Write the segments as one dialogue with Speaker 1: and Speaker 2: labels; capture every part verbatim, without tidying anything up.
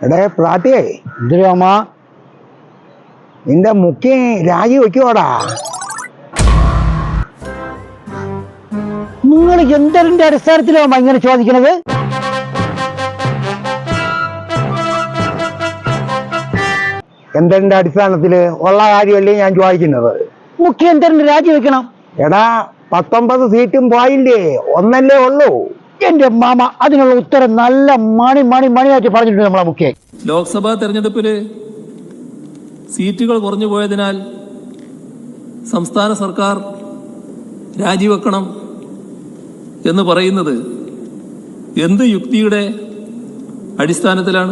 Speaker 1: എടേ പ്രാട്ടിയേ
Speaker 2: എന്തിനാ
Speaker 1: നിന്റെ മുഖ്യ രാജി വെക്കുവാടാ.
Speaker 2: നിങ്ങൾ എന്തിന്റെ അടിസ്ഥാനത്തിലാണോ ഇങ്ങനെ ചോദിക്കുന്നത്?
Speaker 1: എന്തിന്റെ അടിസ്ഥാനത്തില് ഉള്ള കാര്യമല്ലേ ഞാൻ ചോദിക്കുന്നത്.
Speaker 2: മുഖ്യ എന്തിന്റെ രാജി വെക്കണം?
Speaker 1: എടാ പത്തൊമ്പത് സീറ്റും പോയില്ലേ, ഒന്നല്ലേ ഉള്ളൂ.
Speaker 2: എന്റെ മാമ അതിനുള്ള ഉത്തരം നല്ല മണി മണി മണിയായിട്ട് പറഞ്ഞിട്ടുണ്ട് നമ്മളെ മുഖ്യ.
Speaker 3: ലോക്സഭാ തെരഞ്ഞെടുപ്പില് സീറ്റുകൾ കുറഞ്ഞു പോയതിനാൽ സംസ്ഥാന സർക്കാർ രാജിവെക്കണം എന്ന് പറയുന്നത് എന്ത് യുക്തിയുടെ അടിസ്ഥാനത്തിലാണ്?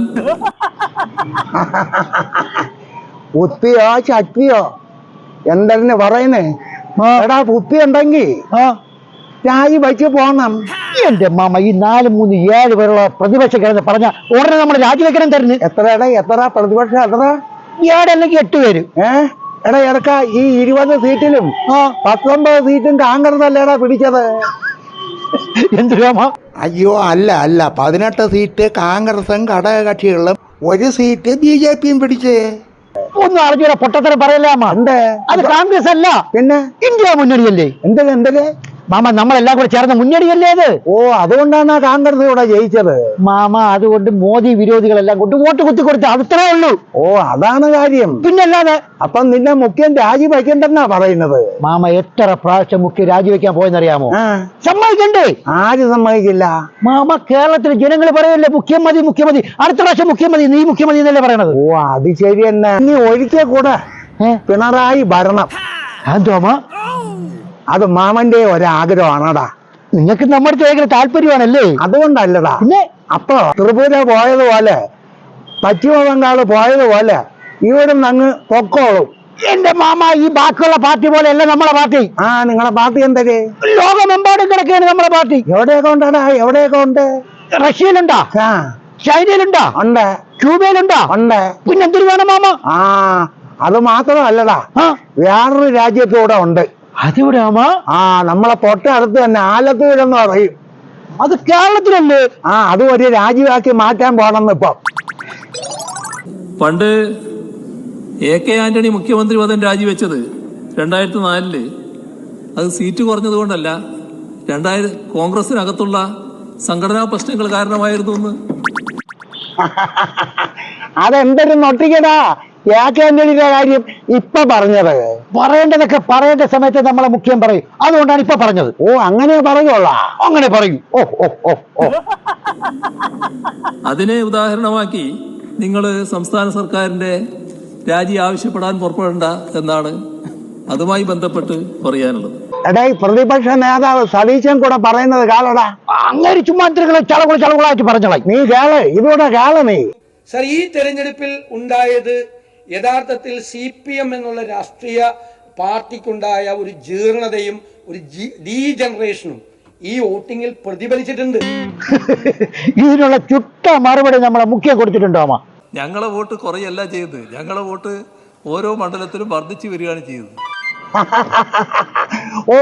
Speaker 1: ഉപ്പിയോ ചട്ടിയോ എന്തെന്ന് പറയുന്നേ? എടാ ഉപ്പി ഉണ്ടെങ്കിൽ രാജി വെച്ച് പോണം.
Speaker 2: എന്റെ മാമ ഈ നാല് മൂന്ന് ഏഴ് പേരുള്ള പ്രതിപക്ഷ കിടന്ന് പറഞ്ഞ ഉടനെ നമ്മൾ രാജിവെക്കണം തരുന്നു.
Speaker 1: എത്രയുടെ എത്ര പ്രതിപക്ഷം? എത്ര?
Speaker 2: ഏഴല്ലെങ്കിൽ എട്ട് പേര്.
Speaker 1: ഏഹ് എടാ ഇറക്ക ഈ ഇരുപത് സീറ്റിലും പത്തൊമ്പത് സീറ്റും കോൺഗ്രസ് അല്ലേടാ പിടിച്ചത്.
Speaker 2: എന്തിനാമ?
Speaker 1: അയ്യോ അല്ല അല്ല പതിനെട്ട് സീറ്റ് കോൺഗ്രസും ഘടകകക്ഷികളും ഒരു സീറ്റ് ബി ജെ പിയും പിടിച്ച്.
Speaker 2: ഒന്നും അറിഞ്ഞൂടാ, പൊട്ടത്തരം പറയലാമ.
Speaker 1: ഉണ്ട്.
Speaker 2: അത് കോൺഗ്രസ് അല്ല,
Speaker 1: പിന്നെ
Speaker 2: ഇന്ത്യ മുന്നണിയല്ലേ.
Speaker 1: എന്തിന് എന്തിന്
Speaker 2: മാമ നമ്മളെല്ലാം കൂടെ ചേർന്ന മുന്നണിയല്ലേ അത്?
Speaker 1: ഓ അതുകൊണ്ടാണ് കോൺഗ്രസ് ഇവിടെ ജയിച്ചത്.
Speaker 2: മാമ അതുകൊണ്ട് മോദി വിരോധികളെല്ലാം കൊണ്ട് വോട്ട് കുത്തി കൊടുത്ത് അത്രേ ഉള്ളൂ.
Speaker 1: ഓ അതാണ് കാര്യം.
Speaker 2: പിന്നല്ലാതെ.
Speaker 1: അപ്പം നിന്നെ മുഖ്യൻ രാജി വയ്ക്കണ്ടെന്നാ പറയുന്നത്.
Speaker 2: മാമ എത്ര പ്രാവശ്യം മുഖ്യ രാജിവെക്കാൻ പോയെന്നറിയാമോ?
Speaker 1: സമ്മതിക്കണ്ടേ? ആര് സമ്മതിക്കില്ല?
Speaker 2: മാമ കേരളത്തിലെ ജനങ്ങൾ പറയല്ലേ മുഖ്യമതി മുഖ്യമതി, അടുത്ത പ്രാവശ്യം മുഖ്യമതി, നീ മുഖ്യമതി എന്നല്ലേ പറയണത്.
Speaker 1: ഓ അത് ശരി തന്നെ. നീ ഒരിക്കൽ കൂടെ പിണറായി ഭരണം.
Speaker 2: അതോമ
Speaker 1: അത് മാമന്റെ ഒരാഗ്രഹമാണടാ.
Speaker 2: നിങ്ങൾക്ക് നമ്മുടെ ഭയങ്കര താല്പര്യമാണല്ലേ?
Speaker 1: അതുകൊണ്ടല്ലടാ.
Speaker 2: പിന്നെ
Speaker 1: അപ്പൊ ത്രിപുര പോയതുപോലെ പശ്ചിമ ബംഗാള് പോയതുപോലെ ഇവിടുന്ന് അങ്ങ് പൊക്കോളും.
Speaker 2: എന്റെ മാമ ഈ ബാക്കിയുള്ള പാർട്ടി പോലെ അല്ല നമ്മളെ പാർട്ടി.
Speaker 1: ആ നിങ്ങളെ പാർട്ടി എന്തേ?
Speaker 2: ലോകമെമ്പാടും കിടക്കുകയാണ് നമ്മളെ പാർട്ടി.
Speaker 1: എവിടെയൊക്കെ ഉണ്ടടാ? എവിടെയൊക്കെ ഉണ്ട്?
Speaker 2: റഷ്യയിലുണ്ടോ? ചൈനയിലുണ്ടോ?
Speaker 1: ഉണ്ട്.
Speaker 2: ക്യൂബയിലുണ്ടോ?
Speaker 1: ഉണ്ട്.
Speaker 2: പിന്നെ എന്തൊരു വേണം മാമ?
Speaker 1: ആ അത് മാത്രമല്ലടാ, വേറൊരു രാജ്യത്തൂടെ ഉണ്ട്.
Speaker 2: അതെവിടെയാമ?
Speaker 1: ആ നമ്മളെ തൊട്ടടുത്ത് തന്നെ ആലത്തൂരെന്ന് പറയും.
Speaker 2: അത് കേരളത്തിലല്ലേ?
Speaker 1: ആ അത് ഒരു രാജ്യമാക്കി മാറ്റാൻ പോണെന്ന് ഇപ്പൊ.
Speaker 3: പണ്ട് എ കെ ആന്റണി മുഖ്യമന്ത്രി പദം രാജിവെച്ചത് രണ്ടായിരത്തി നാലില് അത് സീറ്റ് കുറഞ്ഞത് കൊണ്ടല്ല, രണ്ടായിരം കോൺഗ്രസിനകത്തുള്ള സംഘടനാ പ്രശ്നങ്ങൾ കാരണമായിരുന്നു എന്ന്.
Speaker 1: അതെന്തൊരു നൊട്ടിക്കടാ ആന്റണിയുടെ കാര്യം ഇപ്പൊ പറഞ്ഞത്.
Speaker 2: പറയേണ്ടതൊക്കെ പറയേണ്ട സമയത്ത് നമ്മളെ മുഖ്യം പറയും, അതുകൊണ്ടാണ് ഇപ്പൊ പറഞ്ഞത്.
Speaker 1: ഓ അങ്ങനെ പറയുള്ളാ?
Speaker 2: അങ്ങനെ പറയും. ഓ ഓ ഓ ഓ
Speaker 3: അതിനെ ഉദാഹരണമാക്കി നിങ്ങൾ സംസ്ഥാന സർക്കാരിന്റെ രാജി ആവശ്യപ്പെടാൻ പുറപ്പെടേണ്ട എന്നാണ് അതുമായി ബന്ധപ്പെട്ട് പറയാനുള്ളത്.
Speaker 1: എടേ പ്രതിപക്ഷ നേതാവ് സതീശൻ കൂടെ പറയുന്നത് കാളടാ.
Speaker 2: അങ്ങനെ ചുമ്മാ ചളകുള ചളകുളായിട്ട് പറഞ്ഞോളാം.
Speaker 1: നീ കേള്, ഇതൂടെ കേള നീ.
Speaker 4: സർ, ഈ തെരഞ്ഞെടുപ്പിൽ ഉണ്ടായത് യഥാർത്ഥത്തിൽ സി പി എം എന്നുള്ള രാഷ്ട്രീയ പാർട്ടിക്കുണ്ടായ ഒരു ജീർണതയും ഒരു ഡീജനറേഷനും ഈ വോട്ടിങ്ങിൽ പ്രതിഫലിച്ചിട്ടുണ്ട്.
Speaker 2: ഇതിനുള്ള ചുട്ട മറുപടി നമ്മളെ മുഖ്യം കൊടുത്തിട്ടുണ്ടോ?
Speaker 3: ഞങ്ങളെ വോട്ട് കുറയല്ല ചെയ്തത്, ഞങ്ങളെ വോട്ട് ഓരോ മണ്ഡലത്തിലും വർദ്ധിച്ചു വരികയാണ് ചെയ്തത്.
Speaker 1: ഓ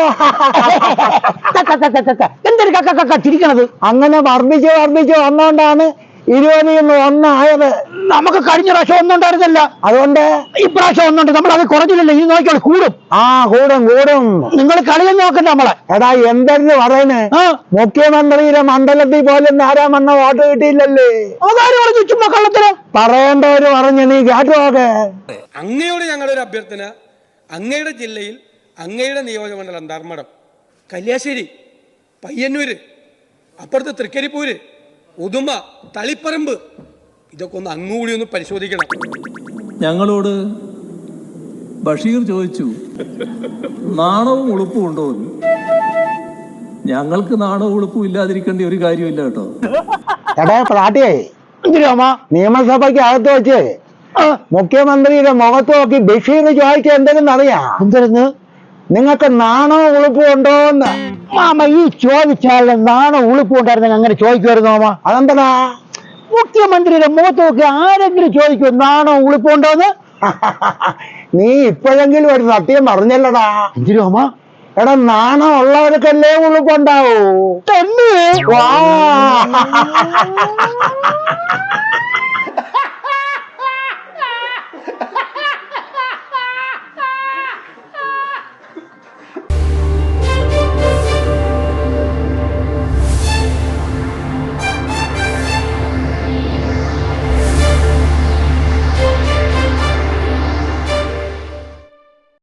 Speaker 2: എന്തൊരു കക്ക ചിരിക്കണത്?
Speaker 1: അങ്ങനെ വർദ്ധിച്ച് വർദ്ധിച്ച് വന്നോണ്ടാണ് ഇരുപതിൽ നിന്ന് ഒന്നായത്.
Speaker 2: നമുക്ക് കഴിഞ്ഞ പ്രാവശ്യം ഒന്നുണ്ടായിരുന്നല്ല,
Speaker 1: അതുകൊണ്ട്
Speaker 2: ഇപ്രാവശ്യം ഒന്നുണ്ട്. നമ്മൾ അത് കുറഞ്ഞില്ലല്ലോ, ഇനി നോക്കിയോളൂ കൂടും.
Speaker 1: ആ കൂടും കൂടും.
Speaker 2: നിങ്ങൾ കളിയൊന്നും നോക്കണ്ട നമ്മളെ.
Speaker 1: എടാ എന്തെന്ന് പറയുന്നേ? മുഖ്യമന്ത്രിയുടെ മണ്ഡലത്തിൽ പോലും ധാരാമണ്ണ വോട്ട് കിട്ടിയില്ലല്ലേ?
Speaker 2: അതാരും പറഞ്ഞു ചുമ്മാ കള്ളത്തിന്
Speaker 1: പറയേണ്ടവര് പറഞ്ഞു. നീ കേട്ടോക്കെ.
Speaker 4: അങ്ങയോട് ഞങ്ങളുടെ ഒരു അഭ്യർത്ഥന, അങ്ങയുടെ ജില്ലയിൽ അങ്ങയുടെ നിയോജകമണ്ഡലം ധർമ്മടം, കല്യാശ്ശേരി, പയ്യന്നൂര്, അപ്പുറത്ത് തൃക്കരിപ്പൂര്, ഉദുമ, തളിപ്പറമ്പ്, ഇതൊക്കെ ഒന്ന് അങ്ങുകൂടി ഒന്ന് പരിശോധിക്കണം.
Speaker 3: ഞങ്ങളോട് ബഷീർ ചോദിച്ചു നാണവും ഉളുപ്പും ഉണ്ടോ എന്ന്. ഞങ്ങൾക്ക് നാണവും ഉളുപ്പും ഇല്ലാതിരിക്കേണ്ട ഒരു കാര്യമില്ല കേട്ടോ.
Speaker 1: എടാ പ്രാട്ടിയേ, നിയമസഭയ്ക്ക് അകത്ത് വെച്ച് മുഖ്യമന്ത്രിയുടെ മുഖത്ത് നോക്കി ബഷീർ ചോദിക്കുക എന്തെങ്കിലും അറിയാം?
Speaker 2: എന്തെന്ന്?
Speaker 1: നിങ്ങൾക്ക് നാണോ ഉളുപ്പും ഉണ്ടോന്ന്.
Speaker 2: മാമ ഈ ചോദിച്ചാൽ നാണോ ഉളുപ്പും ഉണ്ടായിരുന്നെങ്കിൽ അങ്ങനെ ചോദിക്കുമായിരുന്നു മാമ.
Speaker 1: അതെന്താ?
Speaker 2: മുഖ്യമന്ത്രിയുടെ മുഖത്ത് നോക്കി ആരെങ്കിലും ചോദിക്കും നാണോ ഉളുപ്പും ഉണ്ടോന്ന്?
Speaker 1: നീ ഇപ്പോഴെങ്കിലും ഒരു സത്യം പറഞ്ഞല്ലടാ.
Speaker 2: എന്തിനു മാമ?
Speaker 1: എടാ നാണം ഉള്ളവർക്കല്ലേ ഉളുപ്പുണ്ടാവൂ.
Speaker 2: തന്നെ.
Speaker 1: വാ